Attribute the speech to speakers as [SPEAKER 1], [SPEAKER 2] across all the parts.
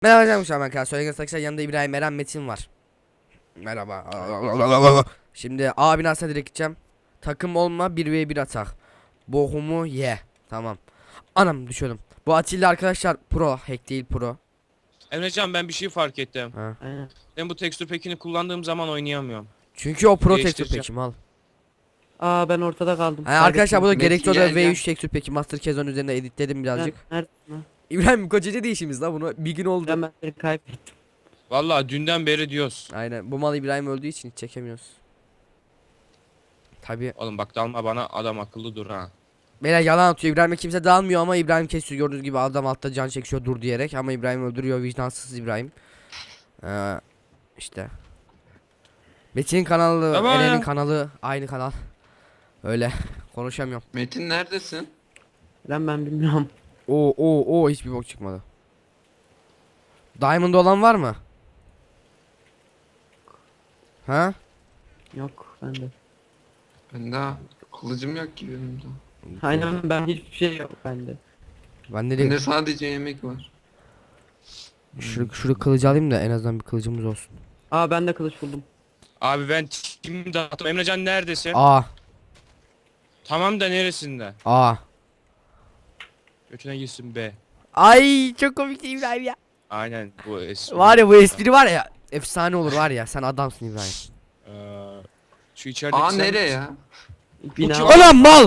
[SPEAKER 1] Merhaba canım şu an arkadaşlar. Söyleyen arkadaşlar yanında İbrahim Eren Metin var. Merhaba. Şimdi A binasına direkt gideceğim. Takım olma 1v1 atak. Bohumu ye. Tamam. Anam düşüyordum. Bu Atilla arkadaşlar pro. Hack değil pro.
[SPEAKER 2] Emrecan ben bir şey fark ettim.
[SPEAKER 1] Ha.
[SPEAKER 3] Aynen.
[SPEAKER 2] Ben bu tekstür pekini kullandığım zaman oynayamıyorum.
[SPEAKER 1] Çünkü o pro tekstür
[SPEAKER 2] Değiştireceğim.
[SPEAKER 1] peki mal.
[SPEAKER 3] Aa ben ortada kaldım.
[SPEAKER 1] Yani arkadaşlar bu da
[SPEAKER 3] Kaybettim.
[SPEAKER 1] gerekli
[SPEAKER 4] Metin,
[SPEAKER 1] olarak
[SPEAKER 4] gel,
[SPEAKER 1] V3 tekstür peki Master Kezon üzerinde editledim birazcık.
[SPEAKER 3] Neredesin lan?
[SPEAKER 1] İbrahim kocacı değişimiz la bunu bir gün oldu.
[SPEAKER 3] Ben seni kaybettim.
[SPEAKER 2] Vallahi dünden beri diyoruz.
[SPEAKER 1] Aynen bu mal İbrahim öldüğü için hiç çekemiyoruz. Tabi.
[SPEAKER 2] Oğlum bak dalma bana, adam akıllı dur ha.
[SPEAKER 1] Beyler yalan atıyor. İbrahim'e kimse dalmıyor ama İbrahim kesiyor. Gördüğünüz gibi adam altta can çekiyor dur diyerek ama İbrahim öldürüyor, vicdansız İbrahim. İşte. Metin'in kanalı,
[SPEAKER 2] Tamam
[SPEAKER 1] Eren'in
[SPEAKER 2] ya.
[SPEAKER 1] kanalı aynı kanal. Öyle konuşamıyorum.
[SPEAKER 4] Metin neredesin?
[SPEAKER 3] Lan ben bilmiyorum.
[SPEAKER 1] Oo hiçbir bok çıkmadı. Diamond olan var mı? Ha?
[SPEAKER 3] Yok bende.
[SPEAKER 4] Ben daha kılıcım yok ki benim de.
[SPEAKER 3] Aynen ben hiçbir şey yok bende.
[SPEAKER 1] Ben de
[SPEAKER 4] Bende sadece yemek var.
[SPEAKER 1] şu kılıcı alayım da en azından bir kılıcımız olsun.
[SPEAKER 3] Aa ben de kılıç buldum.
[SPEAKER 2] Abi ben kim dağıttım. Emrecan neredesin?
[SPEAKER 1] Aa,
[SPEAKER 2] Tamam da neresinde?
[SPEAKER 1] aa.
[SPEAKER 2] Götüne gitsin be.
[SPEAKER 1] Ay çok komik değil İbrahim ya.
[SPEAKER 2] Aynen bu espri.
[SPEAKER 1] Var ya bu espri var ya. Efsane olur var ya. Sen adamsın İbrahim.
[SPEAKER 2] Şu içerideki
[SPEAKER 4] Aa
[SPEAKER 2] sen
[SPEAKER 4] nereye
[SPEAKER 2] misin?
[SPEAKER 4] ya?
[SPEAKER 3] Bina
[SPEAKER 2] kim?
[SPEAKER 3] var.
[SPEAKER 1] Ulan mal.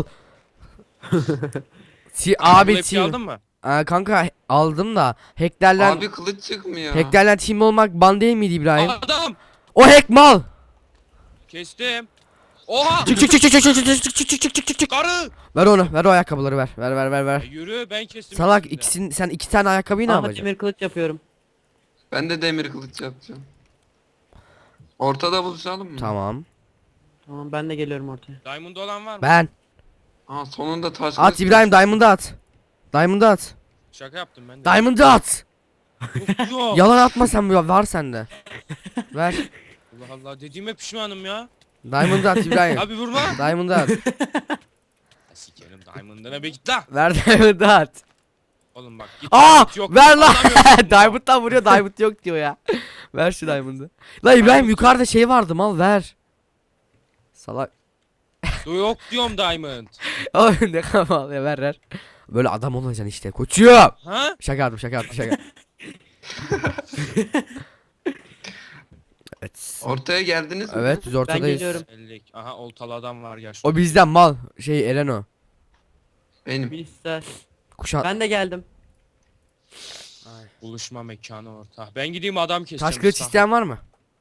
[SPEAKER 1] Abi
[SPEAKER 2] Abi
[SPEAKER 1] team.
[SPEAKER 2] aldın mı?
[SPEAKER 1] Kanka aldım da hacklerden
[SPEAKER 4] Abi kılıç çıkmıyor.
[SPEAKER 1] hacklerden team olmak ban değil miydi İbrahim?
[SPEAKER 2] Adam!
[SPEAKER 1] O hack mal.
[SPEAKER 2] Kestim. Oha!
[SPEAKER 1] Çık çık çık çık çık çık çık çık çık çık çık çık çık.
[SPEAKER 2] Karı!
[SPEAKER 1] Ver onu, ver o ayakkabıları ver. Ver ver ver
[SPEAKER 2] Ya
[SPEAKER 1] ver.
[SPEAKER 2] yürü ben kestim.
[SPEAKER 1] Salak
[SPEAKER 2] ikisini de.
[SPEAKER 1] sen iki tane ayakkabıyı ne
[SPEAKER 3] Aa
[SPEAKER 1] yapacaksın?
[SPEAKER 3] demir kılıç yapıyorum.
[SPEAKER 4] Ben de demir kılıç yapacağım. Ortada buluşalım mı?
[SPEAKER 1] Tamam.
[SPEAKER 3] Tamam ben de geliyorum ortaya.
[SPEAKER 2] Diamond olan var mı?
[SPEAKER 1] Ben.
[SPEAKER 4] Aa sonunda taş
[SPEAKER 1] At
[SPEAKER 4] kılıç
[SPEAKER 1] İbrahim Diamond'ı at. Diamond'ı at.
[SPEAKER 2] Şaka yaptım ben de.
[SPEAKER 1] Diamond'ı at.
[SPEAKER 2] Yok.
[SPEAKER 1] Yalan atma sen bu var sende. Ver.
[SPEAKER 2] Allah Allah dediğime pişmanım ya.
[SPEAKER 1] Diamond'ı at İbrahim.
[SPEAKER 2] Abi vurma.
[SPEAKER 1] Diamond'ı at.
[SPEAKER 2] Sikerim Diamond'ına be git la.
[SPEAKER 1] Ver Diamond'ı at.
[SPEAKER 2] Oğlum bak git.
[SPEAKER 1] Aa
[SPEAKER 2] Diamond yok.
[SPEAKER 1] ver lan.
[SPEAKER 2] Anlamıyorum.
[SPEAKER 1] Diamond'dan vuruyor Diamond yok diyor ya. Ver şu Diamond'ı. La İbrahim yukarıda şey vardı mal ver. Salak.
[SPEAKER 2] Yok diyorum Diamond.
[SPEAKER 1] Oğlum ne kadar mal ya ver. Böyle adam olacaksın işte koçum.
[SPEAKER 2] Ha?
[SPEAKER 1] Şaka yaptım şaka. Evet.
[SPEAKER 4] Ortaya geldiniz mi?
[SPEAKER 1] Evet biz
[SPEAKER 3] Ben
[SPEAKER 1] ortadayız.
[SPEAKER 3] geliyorum.
[SPEAKER 2] 50. Aha oltalı adam var yaşlı.
[SPEAKER 1] O bizden mal. Şey Eren o.
[SPEAKER 4] Benim.
[SPEAKER 3] Bilgisayar.
[SPEAKER 1] Kuşat.
[SPEAKER 3] Ben de geldim.
[SPEAKER 2] Ay, buluşma mekanı orta. Ben gideyim adam keseceğim.
[SPEAKER 1] Taş kılıç
[SPEAKER 2] Mustafa.
[SPEAKER 1] isteyen var mı?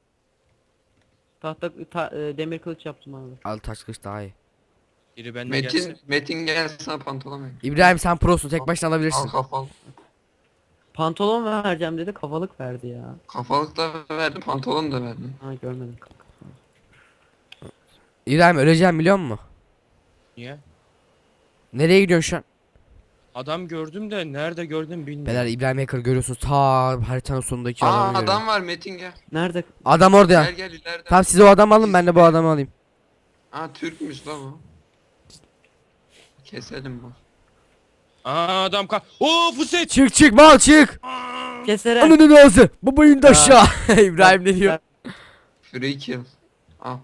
[SPEAKER 3] Demir kılıç yaptım abi.
[SPEAKER 1] Al taş kılıç daha iyi.
[SPEAKER 2] Biri bende gelsin.
[SPEAKER 4] Metin gel sana pantolon ver.
[SPEAKER 1] İbrahim sen prosun tek başına
[SPEAKER 4] Al
[SPEAKER 1] alabilirsin.
[SPEAKER 4] kafalı.
[SPEAKER 3] Pantolon vereceğim dedi kafalık verdi ya.
[SPEAKER 4] Kafalık da verdim pantolon da verdim.
[SPEAKER 3] Ha görmedim kanka.
[SPEAKER 1] İbrahim öleceğim biliyor musun?
[SPEAKER 2] Niye?
[SPEAKER 1] Nereye gidiyorsun şu an?
[SPEAKER 2] Adam gördüm de nerede gördüm bilmiyorum.
[SPEAKER 1] Beyler İbrahim Hacker görüyorsunuz ta haritanın sonundaki
[SPEAKER 4] Aa
[SPEAKER 1] adamı
[SPEAKER 4] adam
[SPEAKER 1] görüyorum.
[SPEAKER 4] var Metin gel.
[SPEAKER 1] Adam
[SPEAKER 3] Nerede?
[SPEAKER 1] orada ya.
[SPEAKER 4] Gel ileride.
[SPEAKER 1] Tamam siz o adamı alın ben de bu adamı alayım.
[SPEAKER 4] Aa Türkmüş la bu. Keselim bu.
[SPEAKER 2] Aa adam Oo Fuset.
[SPEAKER 1] Çık mal çık.
[SPEAKER 3] Kesere.
[SPEAKER 1] Ananın ağzı. Babayın da aşağı. İbrahim ne diyor?
[SPEAKER 4] Free kill. Al.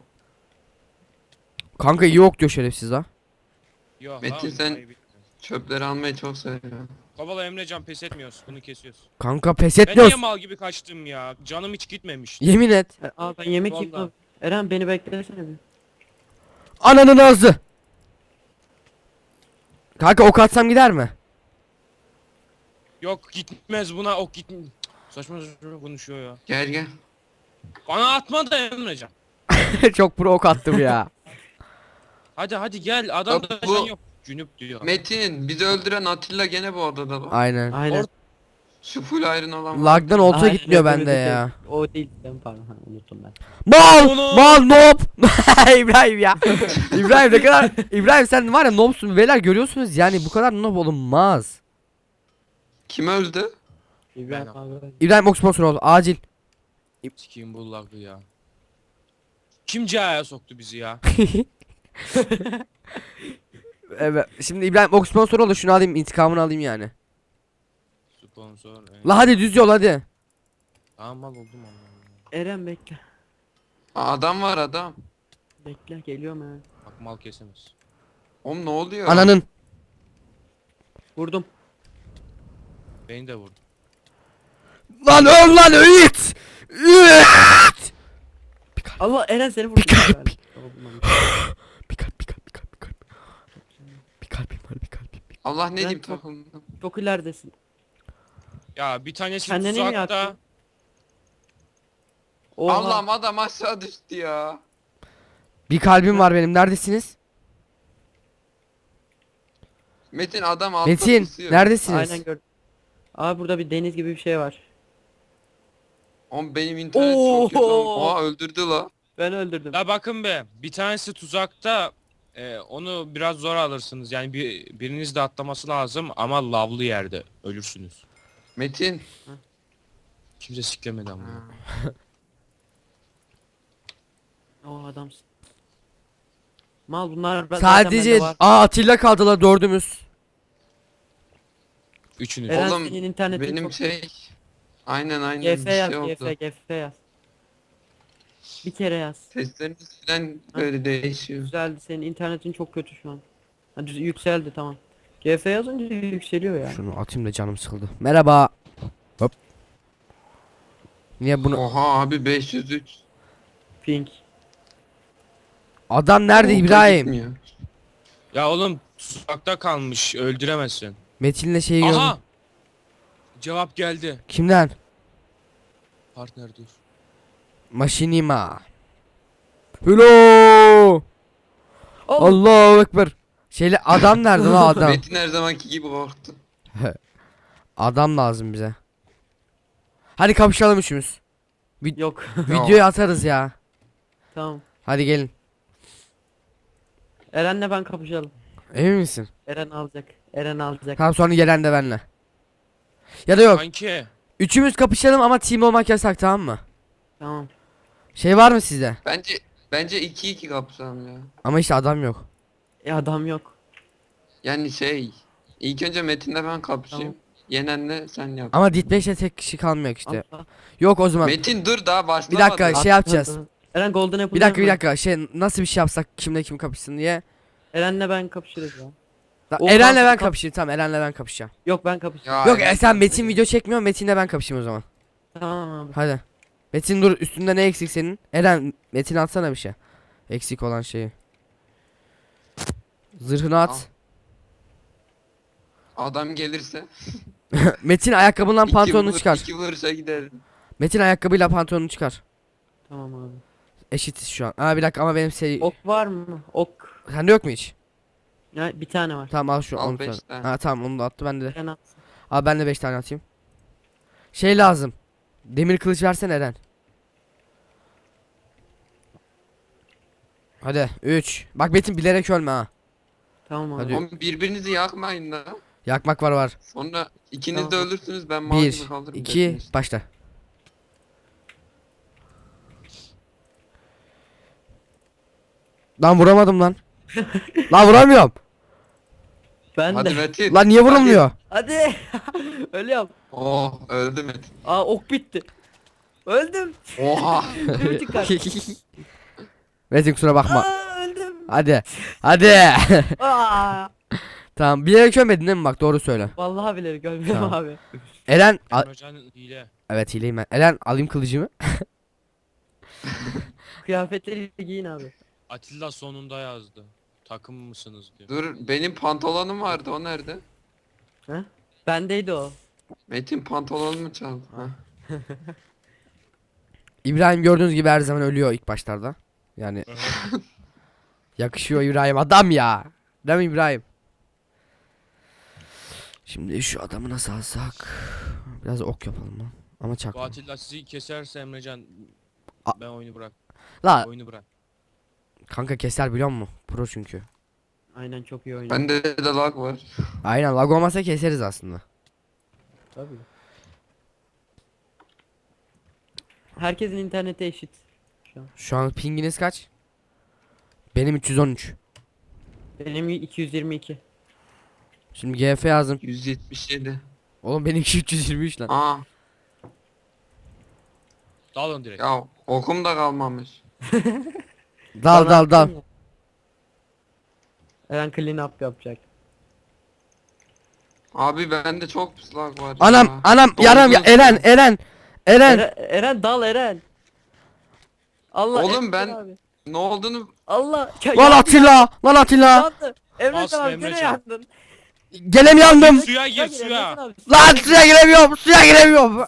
[SPEAKER 1] Kanka yok diyor şerefsiz ha.
[SPEAKER 2] Yok
[SPEAKER 4] Metin,
[SPEAKER 2] lan,
[SPEAKER 4] sen-
[SPEAKER 2] ayıp.
[SPEAKER 4] Çöpleri almayı çok seviyorum.
[SPEAKER 2] Kovala Emrecan pes etmiyoruz. Bunu kesiyoruz.
[SPEAKER 1] Kanka pes
[SPEAKER 2] Ben niye
[SPEAKER 1] etmiyoruz.
[SPEAKER 2] mal gibi kaçtım ya? Canım hiç gitmemiş.
[SPEAKER 1] Yemin et.
[SPEAKER 3] Aa ben yemek
[SPEAKER 2] Vallahi.
[SPEAKER 3] yiyeyim. Eren beni beklesene bir.
[SPEAKER 1] Ananın ağzı. Kanka ok atsam gider mi?
[SPEAKER 2] Yok gitmez buna ok git. Saçma saçma konuşuyor ya.
[SPEAKER 4] Gel.
[SPEAKER 2] Bana atma da Emrecan.
[SPEAKER 1] Çok pro ok attım ya.
[SPEAKER 2] Hadi gel adam
[SPEAKER 4] Bak
[SPEAKER 2] da
[SPEAKER 4] bu-
[SPEAKER 2] can yok. Cünüp diyor.
[SPEAKER 4] Metin bizi öldüren Atilla gene bu odada bak.
[SPEAKER 1] Aynen.
[SPEAKER 3] Aynen.
[SPEAKER 4] Şu full iron olan var.
[SPEAKER 1] Lagdan olta
[SPEAKER 3] Aynen,
[SPEAKER 1] gitmiyor
[SPEAKER 3] öyle
[SPEAKER 1] bende
[SPEAKER 3] bir şey.
[SPEAKER 1] ya.
[SPEAKER 3] O değil ben pardon ha, unuttum ben.
[SPEAKER 1] Mal
[SPEAKER 2] Onu-
[SPEAKER 1] noob. İbrahim ya. İbrahim ne kadar İbrahim sen var ya noobsun beyler görüyorsunuz yani bu kadar noob olunmaz.
[SPEAKER 4] Kim öldü?
[SPEAKER 3] İbrahim
[SPEAKER 2] Ben-
[SPEAKER 3] abi.
[SPEAKER 1] İbrahim ok sponsor ol acil.
[SPEAKER 2] Sikiyim bu lagı ya. Kim cahaya soktu bizi ya?
[SPEAKER 1] Evet şimdi İbrahim ok sponsor ol da şunu alayım intikamını alayım yani.
[SPEAKER 2] Sponsor.
[SPEAKER 1] La hadi düz yol hadi.
[SPEAKER 2] Tamam mal oldum Allah.
[SPEAKER 3] Eren bekle.
[SPEAKER 4] Adam var adam.
[SPEAKER 3] Bekle geliyorum Eren.
[SPEAKER 2] Bak mal kesemez.
[SPEAKER 4] Oğlum ne oluyor?
[SPEAKER 1] Ananın.
[SPEAKER 3] Vurdum.
[SPEAKER 2] Beni de vurdu.
[SPEAKER 1] Lan öl lan it. İt.
[SPEAKER 3] Allah Eren seni vurdu.
[SPEAKER 1] kalp.
[SPEAKER 3] Olmamış.
[SPEAKER 1] Bir kalp bir kalp bir kalp bir kalp. Bir kalbim var bir kalbim.
[SPEAKER 4] Allah ne
[SPEAKER 3] Ben
[SPEAKER 4] diyeyim
[SPEAKER 3] çok-
[SPEAKER 4] takıldım.
[SPEAKER 3] Çok ileridesin.
[SPEAKER 2] Ya bir tanesi
[SPEAKER 3] Kendini mi
[SPEAKER 2] tuzakta.
[SPEAKER 3] yaktın? Oha.
[SPEAKER 4] Allah'ım adam aşağı düştü ya.
[SPEAKER 1] Bir kalbim var benim. Neredesiniz?
[SPEAKER 4] Metin adam altta
[SPEAKER 1] Metin
[SPEAKER 4] pusuyor.
[SPEAKER 1] neredesiniz?
[SPEAKER 3] Aynen gördüm. Abi burada bir deniz gibi bir şey var.
[SPEAKER 4] Oğlum benim internet çok kötü.
[SPEAKER 3] Oo.
[SPEAKER 4] Oha öldürdü la.
[SPEAKER 3] Ben öldürdüm.
[SPEAKER 2] Ya bakın be. Bir tanesi tuzakta. Onu biraz zor alırsınız. Yani biriniz de atlaması lazım ama lavlı yerde ölürsünüz.
[SPEAKER 4] Metin.
[SPEAKER 2] Kimse siklemedi ama.
[SPEAKER 3] O adamsın. Mal bunlar zaten
[SPEAKER 1] Sadece
[SPEAKER 3] bende var.
[SPEAKER 1] Atilla kaldılar dördümüz.
[SPEAKER 2] Üçünüz.
[SPEAKER 3] Eren
[SPEAKER 4] Oğlum,
[SPEAKER 3] senin internetin
[SPEAKER 4] Benim
[SPEAKER 3] çok...
[SPEAKER 4] şey. Aynen
[SPEAKER 3] GF
[SPEAKER 4] bir
[SPEAKER 3] yaz,
[SPEAKER 4] şey oldu.
[SPEAKER 3] GF yaz. Bir kere yaz.
[SPEAKER 4] Sesleriniz falan böyle değişiyor.
[SPEAKER 3] Güzeldi, senin internetin çok kötü şu an. Hadi yükseldi tamam. GF yazınca yükseliyor ya.
[SPEAKER 1] Şunu atayım da canım sıkıldı. Merhaba. Hop. Niye bunu?
[SPEAKER 4] Oha abi 503.
[SPEAKER 3] Pink.
[SPEAKER 1] Adam nerede
[SPEAKER 4] Volta
[SPEAKER 1] İbrahim?
[SPEAKER 4] gitmiyor.
[SPEAKER 2] Ya oğlum tuzakta kalmış. Öldüremezsin.
[SPEAKER 1] Metin'le şeyi gördüm.
[SPEAKER 2] Aha! Cevap geldi.
[SPEAKER 1] Kimden?
[SPEAKER 2] Partner dur.
[SPEAKER 1] Maşinima. Hello. Allahu ekber. Şeyle adam nerede lan adam?
[SPEAKER 4] Metin her zamanki gibi korktu.
[SPEAKER 1] Adam lazım bize. Hadi kapışalım üçümüz.
[SPEAKER 3] Yok.
[SPEAKER 1] Videoyu atarız ya.
[SPEAKER 3] Tamam.
[SPEAKER 1] Hadi gelin.
[SPEAKER 3] Eren'le ben kapışalım.
[SPEAKER 1] Emin misin?
[SPEAKER 3] Eren alacak. Eren alacak.
[SPEAKER 1] Tamam sonra gelen de benle. Ya da yok.
[SPEAKER 2] Kanki.
[SPEAKER 1] Üçümüz kapışalım ama team olmak yasak tamam mı?
[SPEAKER 3] Tamam.
[SPEAKER 1] Şey var mı sizde?
[SPEAKER 4] Bence 2-2 kapışalım ya.
[SPEAKER 1] Ama işte adam yok.
[SPEAKER 3] Adam yok.
[SPEAKER 4] Yani şey. İlk önce Metin'le ben kapışayım.
[SPEAKER 3] Tamam.
[SPEAKER 4] Yenenle sen yap.
[SPEAKER 1] Ama Ditbeş'te tek kişi kalmıyor işte.
[SPEAKER 3] Atla.
[SPEAKER 1] Yok o zaman.
[SPEAKER 4] Metin dur daha
[SPEAKER 1] Bir
[SPEAKER 4] başlamadı.
[SPEAKER 1] dakika şey yapacağız.
[SPEAKER 3] Eren Golden Apple
[SPEAKER 1] Bir dakika bir
[SPEAKER 3] yapma.
[SPEAKER 1] dakika şey nasıl bir şey yapsak kimle kim kapışsın diye.
[SPEAKER 3] Eren'le ben kapışırız ya. O
[SPEAKER 1] Eren'le ben
[SPEAKER 3] kap-
[SPEAKER 1] kapışayım tamam Eren'le ben kapışacağım.
[SPEAKER 3] Yok ben kapışacağım.
[SPEAKER 4] Ya,
[SPEAKER 1] Yok sen Metin video çekmiyor Metin'le ben kapışayım o zaman.
[SPEAKER 3] Tamam abi.
[SPEAKER 1] Hadi. Metin dur üstünde ne eksik senin? Eren Metin atsana bir şey. Eksik olan şeyi. Zırhını
[SPEAKER 4] Al.
[SPEAKER 1] at.
[SPEAKER 4] Adam gelirse.
[SPEAKER 1] Metin ayakkabından
[SPEAKER 4] iki
[SPEAKER 1] pantolonunu
[SPEAKER 4] vur-
[SPEAKER 1] çıkar.
[SPEAKER 4] 2 vuruşa giderim.
[SPEAKER 1] Metin ayakkabıyla pantolonunu çıkar.
[SPEAKER 3] Tamam abi.
[SPEAKER 1] Eşitiz şu an. Aa bir dakika ama benim şey...
[SPEAKER 3] Ok var mı? Ok.
[SPEAKER 1] Sende yok mu hiç?
[SPEAKER 3] Ya bir tane var.
[SPEAKER 1] Tamam al şu
[SPEAKER 4] Al
[SPEAKER 1] onu
[SPEAKER 4] beş
[SPEAKER 1] sonra.
[SPEAKER 4] tane.
[SPEAKER 1] Ha tamam onu da attı bende de.
[SPEAKER 3] Eren atsın.
[SPEAKER 1] Abi ben de 5 tane atayım. Şey lazım. Demir kılıç versene Eren. Hadi 3. Bak Metin bilerek ölme ha.
[SPEAKER 3] Tamam abi.
[SPEAKER 1] Hadi.
[SPEAKER 4] Oğlum birbirinizi yakmayın la.
[SPEAKER 1] Yakmak var.
[SPEAKER 4] Sonra ikiniz de
[SPEAKER 3] Tamam.
[SPEAKER 4] ölürsünüz ben malzeme
[SPEAKER 1] 1
[SPEAKER 4] kaldırırım.
[SPEAKER 1] 2 başla. Lan vuramadım lan. Lan vuramıyorum.
[SPEAKER 3] Ben
[SPEAKER 4] Hadi
[SPEAKER 3] de.
[SPEAKER 4] Metin.
[SPEAKER 1] Lan niye vurulmuyor?
[SPEAKER 3] Hadi. Ölüyorum.
[SPEAKER 4] Oh öldü Metin.
[SPEAKER 3] Aa ok bitti. Öldüm.
[SPEAKER 4] Oha.
[SPEAKER 3] Bir buçuk kalp.
[SPEAKER 1] Metin kusura bakma.
[SPEAKER 3] Aa öldüm.
[SPEAKER 1] Hadi. Hadi.
[SPEAKER 3] Aa.
[SPEAKER 1] Tamam bilerek ölmedin değil mi bak doğru söyle.
[SPEAKER 3] Vallahi bilerek ölmüyorum
[SPEAKER 1] Tamam.
[SPEAKER 3] abi.
[SPEAKER 1] Eren
[SPEAKER 2] Emrecan hile.
[SPEAKER 1] evet hileyim ben. Eren alayım kılıcımı.
[SPEAKER 3] Kıyafetleri giyin abi.
[SPEAKER 2] Atilla sonunda yazdı. Takım mısınız diyor.
[SPEAKER 4] Dur benim pantolonum vardı o nerede?
[SPEAKER 3] Bendeydi o.
[SPEAKER 4] Metin pantolonumu çaldı. Ha.
[SPEAKER 1] İbrahim gördüğünüz gibi her zaman ölüyor ilk başlarda. Yani yakışıyor İbrahim adam ya. Değil mi İbrahim? Şimdi şu adamı nasıl alsak? Biraz ok yapalım lan. Ama
[SPEAKER 2] Bu
[SPEAKER 1] çakma.
[SPEAKER 2] Atilla sizi keserse Emrecan ben oyunu bırak.
[SPEAKER 1] La
[SPEAKER 2] Oyunu bırak.
[SPEAKER 1] kanka keser biliyor musun? Pro çünkü.
[SPEAKER 3] Aynen çok iyi oynuyor.
[SPEAKER 4] Bende de lag var.
[SPEAKER 1] Aynen lag olmasa keseriz aslında.
[SPEAKER 3] Tabii. Herkesin interneti eşit.
[SPEAKER 1] Şu an pinginiz kaç? Benim 313.
[SPEAKER 3] Benim 222.
[SPEAKER 1] Şimdi GF yazdım.
[SPEAKER 4] 177.
[SPEAKER 1] Oğlum benimki 323 lan.
[SPEAKER 4] Aa.
[SPEAKER 2] Dalın direkt.
[SPEAKER 4] Ya okum da kalmamış.
[SPEAKER 1] Dal
[SPEAKER 3] Bana
[SPEAKER 1] dal dal.
[SPEAKER 3] attın ya. Eren clean up yapacak.
[SPEAKER 4] Abi bende çok pıslak var
[SPEAKER 1] Anam
[SPEAKER 4] ya.
[SPEAKER 1] anam yaram ya
[SPEAKER 4] Dondu.
[SPEAKER 1] Eren Eren. Eren.
[SPEAKER 3] Eren dal Eren. Allah
[SPEAKER 4] Oğlum
[SPEAKER 3] Emrecan
[SPEAKER 4] ben-
[SPEAKER 3] abi.
[SPEAKER 4] Ne olduğunu
[SPEAKER 3] Allah. Ya,
[SPEAKER 1] Lan
[SPEAKER 3] yandı,
[SPEAKER 1] Atilla. Lan Atilla.
[SPEAKER 3] yandı. Emrecan
[SPEAKER 2] Bastın
[SPEAKER 3] abi gene
[SPEAKER 2] Emrecan.
[SPEAKER 3] yandın.
[SPEAKER 1] Gelem yandım.
[SPEAKER 2] Suya gir
[SPEAKER 3] Emrecan
[SPEAKER 2] suya.
[SPEAKER 3] abi,
[SPEAKER 1] Lan suya giremiyorum. Suya giremiyorum.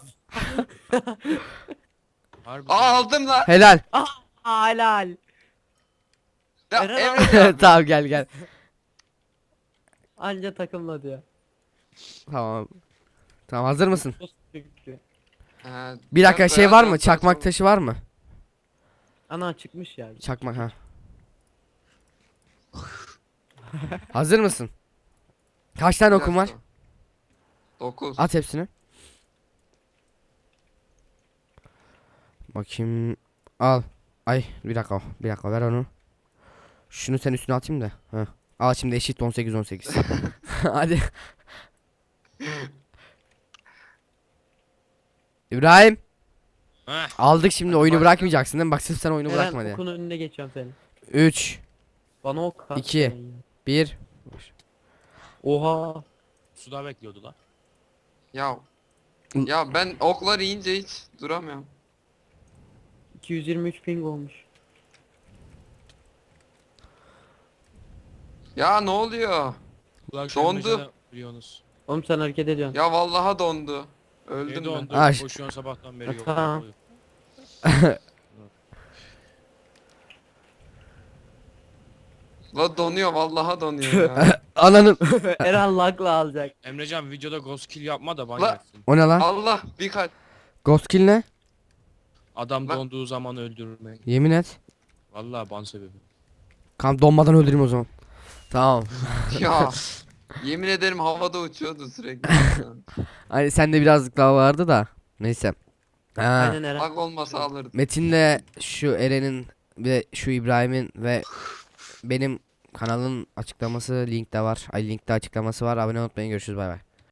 [SPEAKER 2] Harbi.
[SPEAKER 4] aldım lan.
[SPEAKER 1] Helal.
[SPEAKER 3] Aa, helal.
[SPEAKER 4] Ya,
[SPEAKER 3] Eren
[SPEAKER 4] evet
[SPEAKER 3] abi.
[SPEAKER 4] abi.
[SPEAKER 1] Tamam gel gel.
[SPEAKER 3] Anca takımla diyor.
[SPEAKER 1] Tamam. Tamam hazır mısın?
[SPEAKER 4] He,
[SPEAKER 1] Bir dakika
[SPEAKER 4] biraz
[SPEAKER 1] şey var
[SPEAKER 4] dayan,
[SPEAKER 1] mı?
[SPEAKER 4] biraz
[SPEAKER 1] Çakmak
[SPEAKER 4] daha
[SPEAKER 1] taşı var mı?
[SPEAKER 3] Ana çıkmış ya.
[SPEAKER 1] Çakmak ha. Hazır mısın? Kaç tane
[SPEAKER 4] çabuk.
[SPEAKER 1] okum var?
[SPEAKER 4] 9.
[SPEAKER 1] At hepsini. Bakayım. Al. Ay bir dakika. Bir dakika ver onu. Şunu sen üstüne atayım da. Heh. Al şimdi eşit 18 18. Hadi. İbrahim.
[SPEAKER 2] Heh.
[SPEAKER 1] Aldık şimdi oyunu
[SPEAKER 4] başla.
[SPEAKER 1] bırakmayacaksın değil mi? Bak sırf sen oyunu
[SPEAKER 3] Eren
[SPEAKER 1] bırakma diye.
[SPEAKER 3] okun önüne geçiyorum senin.
[SPEAKER 1] 3
[SPEAKER 3] Bana ok at.
[SPEAKER 1] 2.
[SPEAKER 3] sen ya.
[SPEAKER 1] 1
[SPEAKER 3] Oha.
[SPEAKER 2] Suda bekliyordu lan.
[SPEAKER 4] Ya. Ya ben oklar yiyince hiç duramıyorum.
[SPEAKER 3] 223 ping olmuş.
[SPEAKER 4] Ya ne oluyor?
[SPEAKER 2] Bu akşam
[SPEAKER 4] Dondu.
[SPEAKER 2] Emrecan'ı biliyorsunuz.
[SPEAKER 3] Oğlum sen hareket ediyorsun.
[SPEAKER 4] Ya vallaha dondu.
[SPEAKER 2] Beni
[SPEAKER 4] Öldüm ben.
[SPEAKER 2] dondu.
[SPEAKER 1] Aş.
[SPEAKER 2] Koşuyorsun sabahtan beri yok.
[SPEAKER 3] Tamam.
[SPEAKER 4] La donuyor vallaha donuyor ya.
[SPEAKER 1] Ananın.
[SPEAKER 3] Eren lagla alacak.
[SPEAKER 2] Emrecan videoda ghost kill yapma da ban
[SPEAKER 4] La-
[SPEAKER 2] yersin.
[SPEAKER 1] O ne lan?
[SPEAKER 4] Allah bir kalp.
[SPEAKER 1] Ghost kill ne?
[SPEAKER 2] Adam
[SPEAKER 4] Lan-
[SPEAKER 2] donduğu zaman öldürmek.
[SPEAKER 1] Yemin et.
[SPEAKER 2] Vallahi ban sebebi.
[SPEAKER 1] Kan donmadan öldüreyim o zaman. Tamam.
[SPEAKER 4] Ya. Yemin ederim havada uçuyordu sürekli.
[SPEAKER 1] Hani sende birazcık daha vardı da. Neyse. Ha.
[SPEAKER 3] Aynen Eren.
[SPEAKER 4] Bak olmasa alırdım.
[SPEAKER 1] Metin'le şu Eren'in ve şu İbrahim'in ve benim kanalın açıklaması linkte var. Ay linkte açıklaması var. Abone olmayı unutmayın. Görüşürüz bay bay.